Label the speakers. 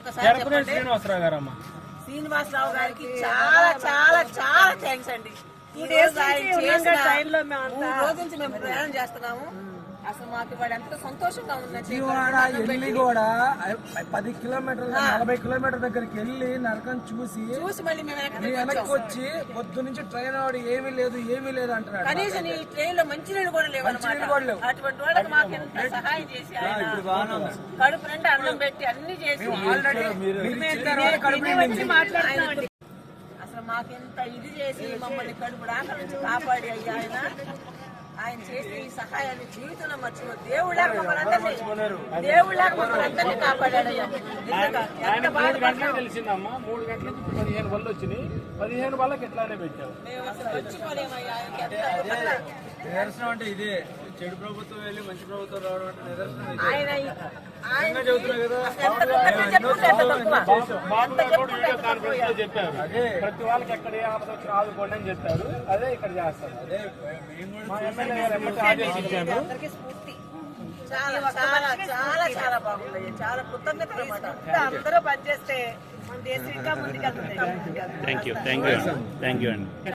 Speaker 1: శ్రీనివాసరావు గారికి చాలా చాలా చాలా థ్యాంక్స్ అండి. 2 days రోజు నుంచి మేము ప్రయాణం చేస్తున్నాము. అసలు మాకు ఇవాళ ఎంత సంతోషంగా ఉందండి.
Speaker 2: వెళ్ళి కూడా 10 కిలోమీటర్లు 40 కిలోమీటర్ దగ్గరికి వెళ్ళి నరకం చూసి
Speaker 1: మళ్ళీ మేము
Speaker 2: వెనక్కి వచ్చి పొద్దు నుంచి ట్రైన్ వాడు ఏమీ లేదు అంటున్నాడు.
Speaker 1: కనీసం ఈ ట్రైన్ లో మంచినీళ్ళు కూడా లేవు. అటువంటి వాళ్ళకి మాకు ఎంత సహాయం చేసి కడుపు నిండా అన్నం పెట్టి అన్ని చేసి అసలు మాకెంత ఇది చేసి మమ్మల్ని కడుపు రాక నుంచి కాపాడి అయ్యా ఆయన చేసే ఈ సహాయాన్ని జీవితంలో మర్చిపో. దేవుళ్ళకి మమ్మల్ని అందరినీ కాపాడాడు.
Speaker 3: తెలిసిందమ్మా 3 గంటల నుంచి 15 బళ్ళు వచ్చినాయి. 15 బళ్ళకి ఎట్లానే పెట్టావు.
Speaker 1: మేము అసలు మర్చిపోలేమయ్యా.
Speaker 2: నిదర్శనం అంటే ఇదే. చెడు ప్రభుత్వం వెళ్ళి మంచి ప్రభుత్వం రావడం అంటే నిదర్శనం
Speaker 3: చెప్పారు. ప్రతి వాళ్ళకి ఎక్కడ ఏ ఆపద వచ్చి ఆదుకోండి అని చెప్పారు. అదే ఇక్కడ చేస్తారు. అదే మా ఎమ్మెల్యే గారు ఆదేశించారు.
Speaker 1: చాలా చాలా చాలా చాలా బాగుంది. చాలా కృతజ్ఞతలు అన్నమాట. అందరూ పనిచేస్తే మన దేశం ఇంకా ముందుకెళ్తుంది.
Speaker 4: థ్యాంక్ యూ అండి.